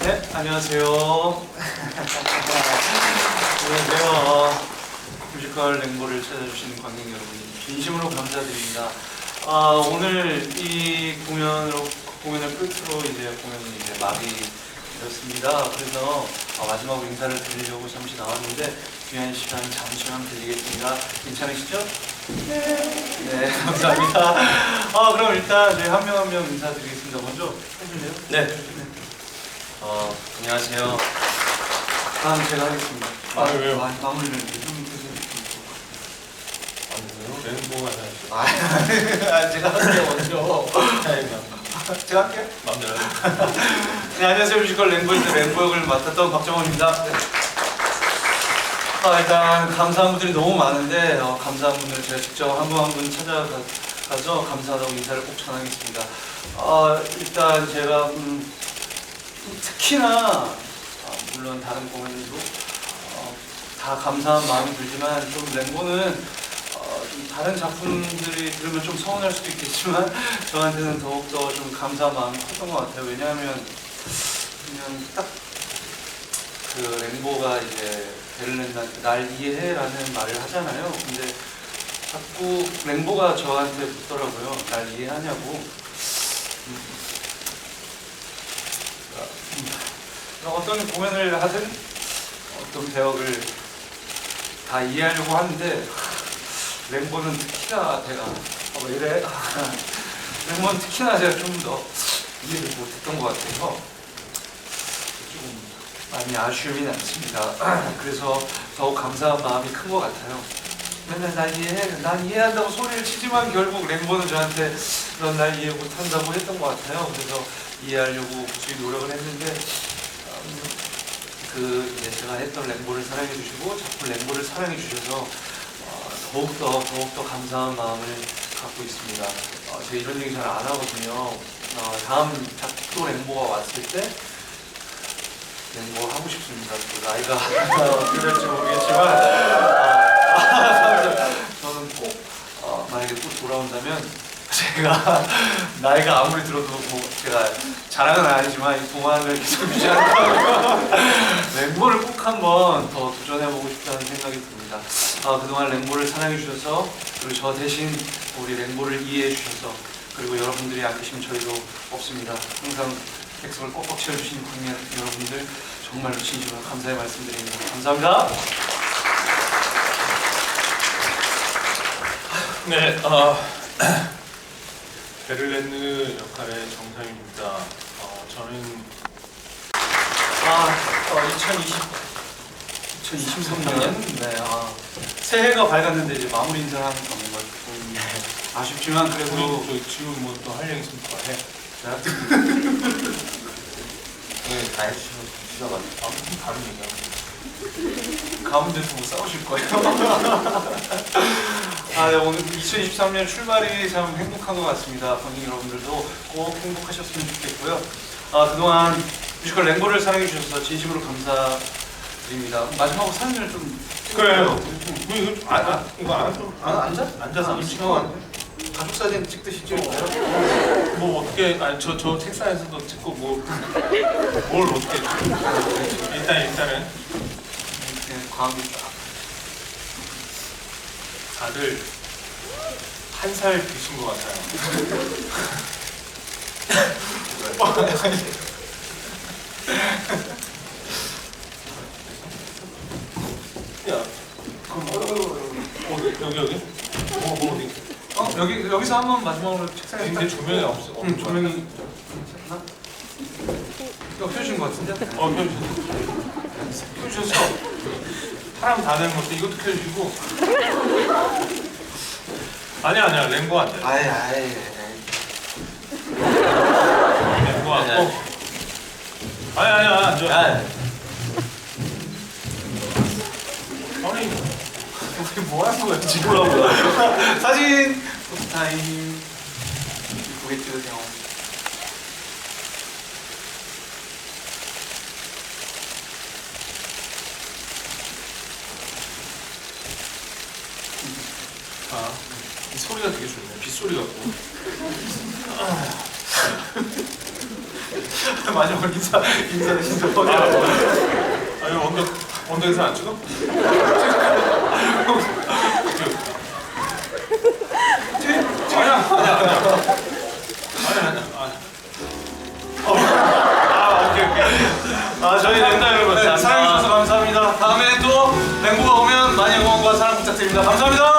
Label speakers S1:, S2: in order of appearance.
S1: 네, 안녕하세요. 안녕하세요. 뮤지컬 랭보를 찾아주신 관객 여러분, 진심으로 감사드립니다. 오늘 이 공연을 끝으로 이제 공연은 이제 막이 되었습니다. 그래서 마지막으로 인사를 드리려고 잠시 나왔는데 귀한 시간 잠시만 드리겠습니다. 괜찮으시죠? 네, 감사합니다. 그럼 일단 저희 한 명 한 명 인사드리겠습니다. 먼저 해줄래요?
S2: 네. 안녕하세요.
S1: 다음 제가 하겠습니다.
S2: 왜요?
S1: 마무리를 좀
S2: 랭보가 잘
S1: 제가 할게요 먼저. 제가 할게요.
S2: 마음대로
S1: 네, 안녕하세요. 뮤지컬 랭보에서 랭보 역을 맡았던 박정원입니다. 네. 일단 감사한 분들이 너무 많은데 감사한 분들 제가 직접 한 분 한 분 찾아가서 감사하다고 인사를 꼭 전하겠습니다. 일단 제가 특히나 물론 다른 공연들도 다 감사한 마음이 들지만 좀 랭보는 좀 다른 작품들이 들으면 좀 서운할 수도 있겠지만 저한테는 더욱더 좀 감사한 마음이 컸던 것 같아요. 왜냐하면 그냥 딱 그 랭보가 이제 베를린한테 날 이해해라는 말을 하잖아요. 근데 자꾸 랭보가 저한테 묻더라고요. 날 이해하냐고. 어떤 공연을 하든 어떤 배역을 다 이해하려고 하는데 랭보는 특히나 제가 왜 이래? 랭보는 특히나 제가 좀 더 이해를 못했던 것 같아서 조금 많이 아쉬움이 남습니다. 그래서 더욱 감사한 마음이 큰 것 같아요. 맨날 난 이해해, 난 이해한다고 소리를 치지만 결국 랭보는 저한테 넌 날 이해 못한다고 했던 것 같아요. 그래서 이해하려고 굳이 노력을 했는데 이제 제가 했던 랭보를 사랑해 주시고 작품 랭보를 사랑해 주셔서 더욱더 감사한 마음을 갖고 있습니다. 제가 이런 얘기 잘 안 하거든요. 다음 작도 랭보가 왔을 때 랭보 하고 싶습니다. 또 나이가 어떻게 될지 모르겠지만 저는 꼭 만약에 또 돌아온다면 제가 나이가 아무리 들어도 뭐 제가 자랑은 아니지만 이 동안을 계속 유지한다면 랭보를 꼭 한번 더 도전해보고 싶다는 생각이 듭니다. 그동안 랭보를 사랑해주셔서 그리고 저 대신 우리 랭보를 이해해주셔서 그리고 여러분들이 안 계시면 저희도 없습니다. 항상 객석을 꽉꽉 채워주신 관객 여러분들 정말로 진심으로 감사의 말씀드립니다. 감사합니다.
S2: 네, 베를렌느 역할의 정상입니다. 저는
S1: 2023년 네, 새해가 밝았는데 이제 마무리 인사를 하는 건 뭔가 좀 아쉽지만 그래도
S2: 저희 지금 뭐 또 할 얘기 있으면 해.
S1: 네,
S2: 다 해주셔가지고 무슨 다른 얘기하고
S1: 가운데서 뭐 싸우실 거예요? 네, 오늘 2023년 출발이 참 행복한 것 같습니다. 관객 여러분들도 꼭 행복하셨으면 좋겠고요. 그동안 뮤지컬 랭보를 사랑해 주셔서 진심으로 감사드립니다. 마지막으로 사진을 좀
S2: 그래요. 이거
S1: 앉아?
S2: 앉아서
S1: 가족 사진 찍듯이 찍을까요?
S2: 뭐 어떻게 저 책상에서도 찍고 뭘 어떻게 일단은
S1: 그냥 광이 딱
S2: 다들 한 살 드신 것 같아요. 야, 그럼 여기? 어디?
S1: 여기서 한번 마지막으로 책상에
S2: 근데 조명이 없어.
S1: 조명이 괜찮나? 이거 켜주신 것 같은데?
S2: 켜주셔서 사람 다 되는 것도 이것도 켜주시고. 아니야 랭고 안 돼. 랭고 왔고. 아니야 앉아. 아니
S1: 어떻게 뭐 하는 거야 지금? 올라오고 사진 포토타임 예쁘게 찍으세요.
S2: 이 소리가 되게 좋네. 빗소리 같고.
S1: 마지막 인사 진짜 뻔해.
S2: 아니 원덕에서 안 찍어?
S1: 아 저희 랭다 여러분 사랑해주셔서 감사합니다. 다음에 또 랭보가 오면 많이 응원과 사랑 부탁드립니다. 감사합니다.